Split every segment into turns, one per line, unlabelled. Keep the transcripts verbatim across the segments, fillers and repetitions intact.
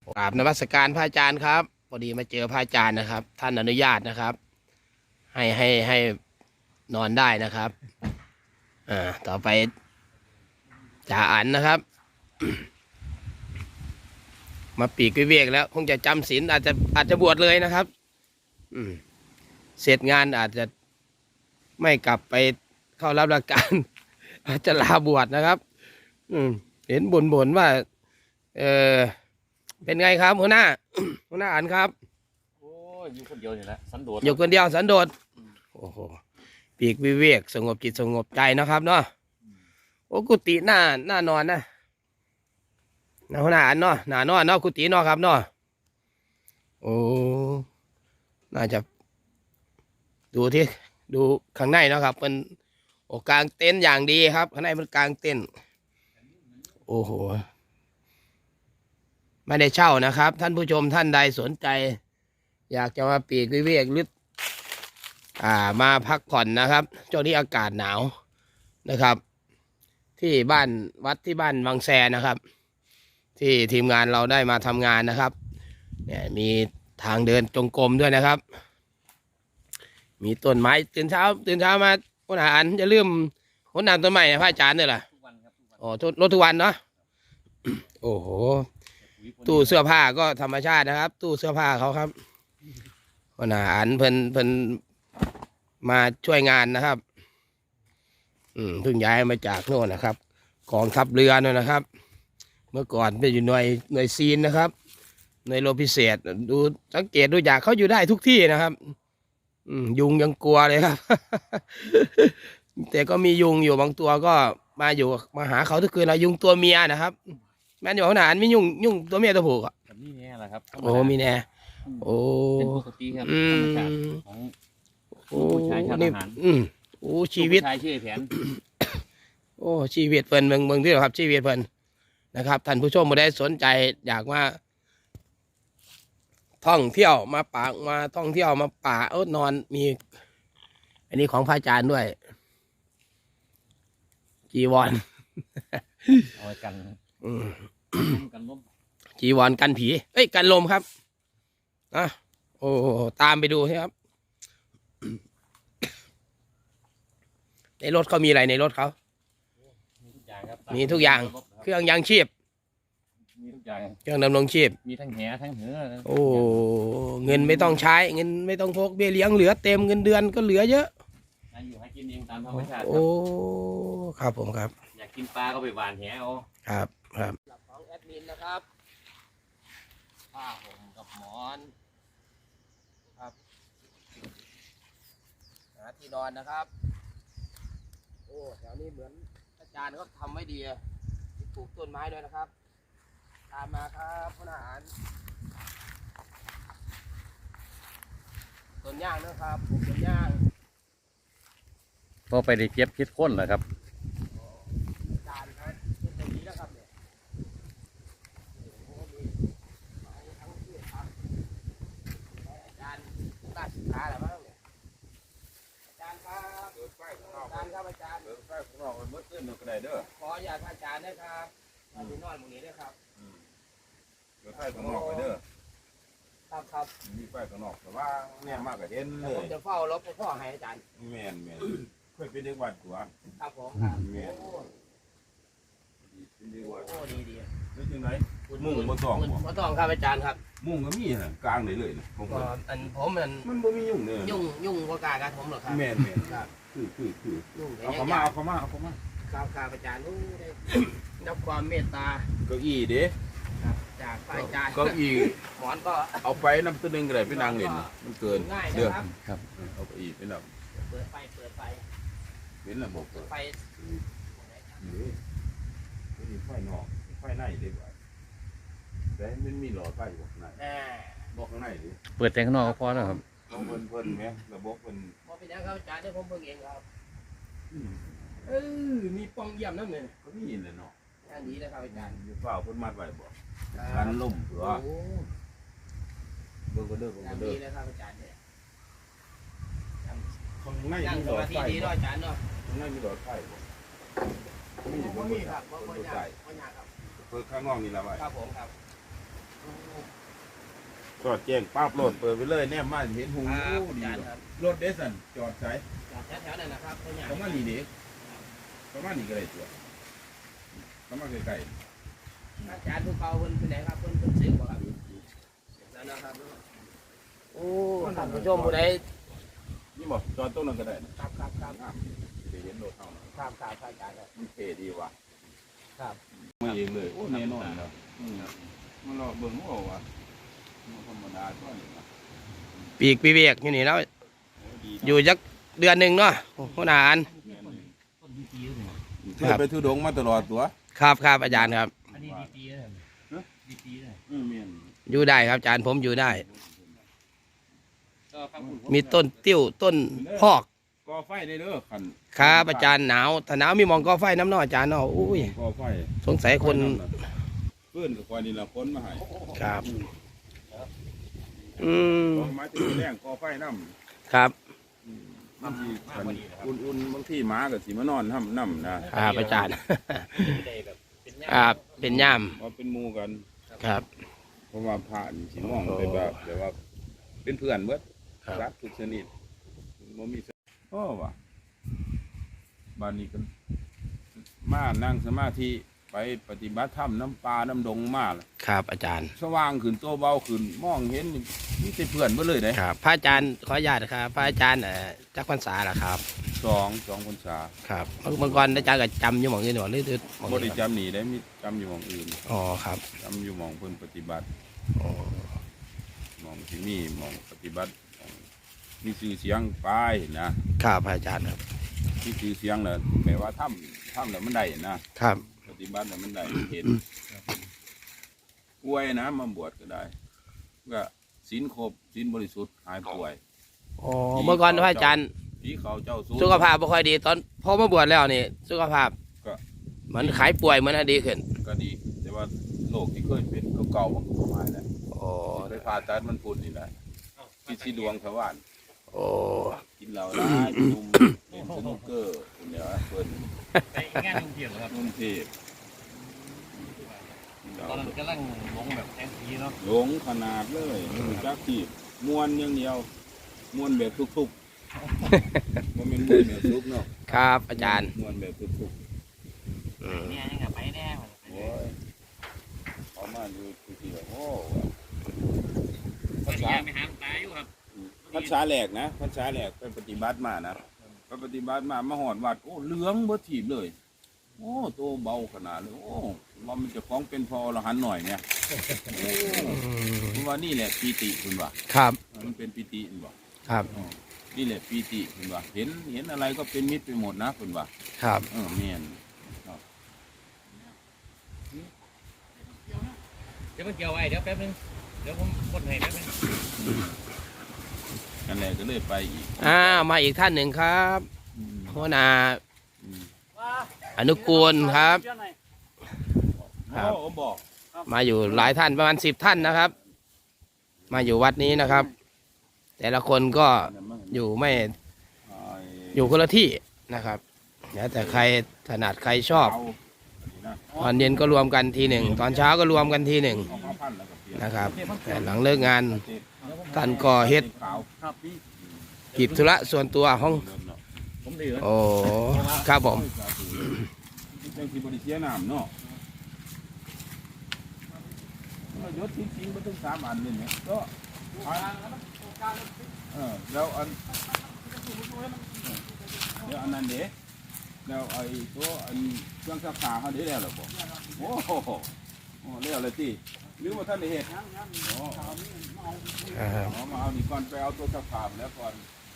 กราบนมัสการพระอาจารย์ครับพอดีมาเจอพระอาจารย์นะครับท่านอนุญาตนะครับให้ให้ให้นอนได้นะครับอ่าต่อไปจ่าอันนะครับ มาปีกวิเวกแล้วคงจะจำศีลอาจจะอาจจะบวชเลยนะครับอืมเสร็จงานอาจจะไม่กลับไปเข้ารับราชการ อาจจะลาบวชนะครับอืมเห็นบ่นบ่นว่าเออเป็นไงครับหัวหน้า หัวหน้าอันครับ
โอ้ยอยู่คนเดียวนี่แหละสันโดษ
อยู่คนเดียวสันโดษโอ้โหปีกวิเวกสงบจิตสงบใจนะครับเนาะโอ้กุฏิหน้าหน้านอนนะหน้าหัวหน้าอันเนาะหน้านอนเนาะกุฏิเนาะครับเนาะโอ้น่าจะดูที่ดูข้างในเนาะครับเป็นโอ้กลางเต็นท์อย่างดีครับข้างในมันกลางเต็นท์โอ้โหไม่ได้เช่านะครับท่านผู้ชมท่านใดสนใจอยากจะมาปีกวิเวกหรืออ่ามาพักผ่อนนะครับช่วงนี้อากาศหนาวนะครับที่บ้านวัดที่บ้านวังแซนะครับที่ทีมงานเราได้มาทำงานนะครับเนี่ยมีทางเดินจงกรมด้วยนะครับมีต้นไม้ตื่นเช้าตื่นเช้ามาคนอาหารจะลืมคนนำต้นไม้พระอาจารย์เนี่ยแหละอ๋อรถทุกวันเนาะโอ้โหตู้เสื้อผ้าก็ธรรมชาตินะครับตู้เสื้อผ้าเขาครับคนอาหารเพิ่นเพิ่นมาช่วยงานนะครับอืมเพิ่งย้ายมาจากโน่นนะครับกองทัพเรือโน่นนะครับเมื่อก่อนเป็นอยู่หน่วยหน่วยซีนนะครับหน่วยโลพิเศษดูสังเกตดูจากเขาอยู่ได้ทุกที่นะครับอืมยุงยังกลัวเลยครับ แต่ก็มียุงอยู่บางตัวก็มาอยู่มาหาเขาทุกคืนนะยุงตัวเมียนะครับแม่นอยู่ขนาดมียุงยุงตัวเมียตัวผู้อ่ะ
นี่แน่แหละครับ
โอ้มีแน่โอ้
เป็นปกติครับธรรมชาติของผู้ชายชาติทหาร
อืมโอ้ชีวิต
ชายชื่อแผน
โอ้ชีวิตเพิ่นเมืองเมืองที่ครับชีวิตเพิ่นนะครับท่านผู้ชมมาได้สนใจอยากมาท่องเที่ยวมาป่ามาท่องเที่ยวมาป่าเออนอนมีอันนี้ของพระอาจารย์ด้วยจีวร
เอาไว้กันกันลม
จีวรกันผีเอ้ยกันลมครับอ่ะโอ้ตามไปดูครับในรถเขามีอะไรในรถเขามีทุกอย่างเครื่องยังชีพ
มีทุกอย่าง
เครื่องดำรงชีพ
มีทั้งแหทั้งเหือ
โอ้เงินไม่ต้องใช้เงินไม่ต้องพกเบี้ยเลี้ยงเหลือเต็มเงินเดือนก็เหลือเยอะ
อยู่ให้กินเองตามธรรมชาติ
โอ้ครับผมครับ
อยากกินปลาก็ไปหวานแหเอา
ครับครับของแอดมินนะครับผ้าห่มกับหมอนครับหาที่นอนนะครับโอ้แถวนี้เหมือนอาจารย์เขาทำไว้ดีปลูกต้นไม้ด้วยนะครับตามมาครับพนักงานต้นย่างนะครับปลูกต้นย่าง
พอไปได้เก็บพิษข้นเหรอครับ
อาจารย์ครับเป็นแบบนี้แล้วครับเนี่ยอาจารย์ราชการอะไรบ้างเนี่ยอาจารย์ครับอาจารย์ครับอาจารย์เดินไปข้างนอกมันมืดขึ้นก็ได้เด้อขออยากอาจารย์นะครับมาดูนอนตรงนี้ด้วยครับ
เดินไปข้างนอกไปเด้อ
ครับครับ
มีไฟข้างนอกแต่ว่าเนี่ยมากกว่าเห็นเลย
ผมจะเฝ้ารถพ่อให้อาจารย์
แม่นแม่นเคยเป็นเด็กวัดกว่า
ครับผมครับ
แม่น
เป็นเด็กวัดโอ้ดีดี
แล้วจังไหนมุ่งมาต้อง
มาต้องครับอาจารย์ครับ
มุ่งก็มีนะกลางไหนเลยผม
ก็อันผมมัน
มันบ่มียุ่งเลย
ยุ่งยุ่งว่ากาการผมหรอกครับ
แม่นแม่นครับคือคือคือเอาเข้ามาเอาเข้ามาเอาเข้ามา
ครับครับอาจารย์รู้ได้รับความเมตตา
เก้าอี้เด้
จากอาจารย์
เก้าอี้
หมอนก็
เอาไปน้ำตัวนึงก็ได้ไปนั่งเล่นมันเกิน
เด้อ
ครับเอาเก้าอี้ไปนั่ง
เปิดไฟเปิดไฟ
เป็นระบบเปิด
ไฟ
นี่ไฟนอกไฟในเด้บ่แต่มันมีหลอดไฟอยู่ข้างในบอกข้างในดิ
เปิดแต่ข้างนอกก็พอแล้วครับ
เพิ่นเพิ่นไหมระบบเพิ่น
พอเป็นยังครับอาจารย์ได้ผมเบิ่งเองครับเออมีปองเยี่ยมนั่นเลย
ก็มีเลยเนาะ
อันนี้นะครับอาจารย์
อยู่เฝ้าเพิ่นมัดไว้บ่กันล่มเผื่อเบิ่งก็เด้อเบิ่งก็เด้อ
ดีนะครับอาจารย์เนี่ย
ข้างใน
มีหลอดไฟดีด้วยอาจารย์เนาะ
ข้างในมีหลอดไฟบ่มี
บ่มีครับบ่บ่ยากบ่ยากครับ
เปิดข้างนอกนี่ละไว้
ครับผมครับ
จอดแจ้งปั๊บรถเปิดไปเลยเนี่ยมาเห็นหู
ครับ
ดี
อาจารย์
เนาะ
ครับ
รถเดซันจอดใส่
จากแถวๆนั้นนะครับเขาใหญ่
ประมาณนี้เด็กประมาณนี้ก็ได้ตัวประมาณใกล้
อาจารย์ผู้เก่าเพิ่นเป็นไหนครับเพิ่นเพิ่นซื้อบ่ครับนั่นนะครับโอ้ท่านผู้ชมผู้ใด
ๆนี่บอกจอดตรงนั้นก็ได้นะครับ
ครับครับ
งามไปเห็นรถเท่านั้น
ครับครับอาจารย์ครับ
มันเท่ดีว่ะ
ครับ
มาเองเลยโอ้แน่นอนครับอืมมันรอเบิ่งว่าว่ะมันธรรมดาก็นี่นะ
ปีกปีเวียกอยู่นี่แล้ว
โอ้ดี
อยู่จักเดือนหนึ่งเนาะหัวหน้าอัน
แม่นเลย
ต้นดีปีเลย
เธอไปทุดงมาตลอดตัว
ครับครับอาจารย์ครับ
อันนี้ดีปีเลยดีปีเลย
เออแม่น
อยู่ได้ครับอาจารย์ผมอยู่ได้
ก็ฟังคุณ
มีต้นติ้วต้นพอก
ก่อไฟได้เด้อคัน
ครับอาจารย์หนาวถ้าหนาวมีหมองก่อไฟน้ำเนออาจารย์เนาะอุ้ย
ก่อไฟ
สงสัยคน
เพื่อนกับควายนี่ละคนมาให้
ครับอืม
ลงมาที่แรงก่อไฟน้ำ
ครับ
บางทีคันอุ่นๆบางทีหมากับสีมานอนน้ำน้ำนะครับ
อาจารย์
ได้แบบเป็นย่า
ครับเป็นย่าม
ว่าเป็นหมูกัน
ครับ
เพราะว่าผ่านสีมองไปแบบแต่ว่า เป็นเพื่อนเบิด
ครับ
รักทุกชนิดบ่มีโอ้ว่ะบ้านนี้กันมานั่งสมาธิไปปฏิบัติธรรมน้ำปลาน้ำดงมาล่ะ
ครับอาจารย์
สว่างขึ้นตัวเบาขึ้นมองเห็นนี่มีแต่เพื่อนเบ่เลยเด้
ครับพระอาจารย์ขออนุญาตครับพระอาจารย์เอ่อจักพรรษาล่ะครับ
สองสองพรรษา
ครับเมื่อเมื่อก่อนอาจารย์ก็จำอยู่หมองนี้หนหรือหรือหมอง
บ่ได้
นี้ครับ
จำหนีได้มีจำอยู่หมองอื่น
อ๋อครับ
จำอยู่หมองเพิ่นปฏิบัติ
อ๋อ
หมองที่นี่หมองปฏิบัติหม้องมีชื่อเสียงไปนะครับ
พระอาจารย์ครับ
ที่ชื่อเสียงน่ะแปลว่าถ้ำถ้ำแล้วมันได้นะครับ ปฏิบัติแล้วมันได้เห็นป่วยนะมาบวชก็ได้ก็ศีลครบศีลบริสุทธิ์หายป่วย
อ๋อเมื่อก่อนพระอาจารย์
ผีเขาเจ้าสู้
สุขภาพไม่ค่อยดีตอนพอมาบวชแล้วนี่สุขภาพ
ก็
เหมือนขายป่วยเหมือนอดีขึ้น
ก็ดี แต่ว่าโรคที่เคยเป็นเก่าๆมันก็หายแล้ว
โอ้
ไปผ่าตัดมันพุ่นนี่แหละพิษดวงทวาร
โอ้
กินเหล้าร้ายนุ่มเล่นสนุกเกอร์เดี๋ยวเพิ่น
ไปงานลุงเทียนเหรอครับ
นุ่มเทพ
ตอนนั้นกำลังลงแบบแทนทีเนาะ
หลงขนาดเลยรู้จักที่มวนอย่างเดียวมวนแบบทุกๆบ่แม่นมวนแบบทุกเนาะ
ครับอาจารย์
มวนแบบทุก
อืม
เนี่ยยังกับไปแน่
ๆโอ้ยเอามาดูทีๆแล้วโอ้
ภาษาไม่หามตายอยู่ครับ
ภาษาแหลกนะภาษาแหลกไปปฏิบัติมานะไปปฏิบัติมามาหอดวัดโอ้เหลืองเบ่ถีบเลย โอ้โตเบาขนาดเลยโอ้ว่ามันจะฟ้องเป็นพอรหันต์หน่อยเนี่ยโอ้คุณว่านี่แหละปีติคุณว่า
ครับ
มันเป็นปีติคุณว่า
ครับ
อ๋อนี่แหละปีติคุณว่าเห็นเห็นอะไรก็เป็นมิตรไปหมดนะคุณว่า
ครับ
เออเมียน
เดี๋ยวมันเกี่ยวไว้เดี๋ยวแป๊บนึงเดี๋ยวผมกดให้แป๊บนึง
นั่นแหละก็เลยไปอีก
อ่ามาอีกท่านหนึ่งครับ
อืม
หัวหน้า
อืม
อนุกูลครับ ครับ
โอ้บอก
มาอยู่หลายท่านประมาณสิบท่านนะครับ มาอยู่วัดนี้นะครับ แต่ละคนก็อยู่ไม่อยู่คนละที่นะครับแล้วแต่ใครถนัดใครชอบ ตอนเย็นก็รวมกันทีหนึ่งตอนเช้าก็รวมกันทีหนึ่งนะครับ แต่หลังเลิกงานท่านก็เฮ็ด
ครับพี่
กิจธุระส่วนตัวของ
ผมดื้อ
โอ้ครับผม
จังสิบริเสียน้ำเนาะยศทิ้งๆมาถึงสามอันเลยเนี่ยก็เออแล้วอันเดี๋ยวอันนั้นเดี๋ยวแล้วไอ้ตัวอันเครื่องซักผ้าเขาได้แล้วหรอผมโอ้โหโอ้แล้วเลยที่หรือว่าท่านได้เห็นอ๋อ
ครับ
เอามาเอานี่ก่อนไปเอาตัวซักผ้าแล้วก่อน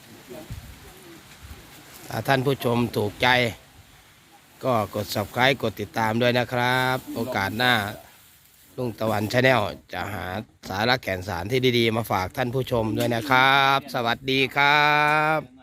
ถ้าท่านผู้ชมถูกใจ ก็กด ซับสไครบ์ กดติดตามด้วยนะครับ โอกาสหน้าลุงตะวันชาแนลจะหาสาระแก่นสารที่ดีๆ มาฝากท่านผู้ชมด้วยนะครับ สวัสดีครับ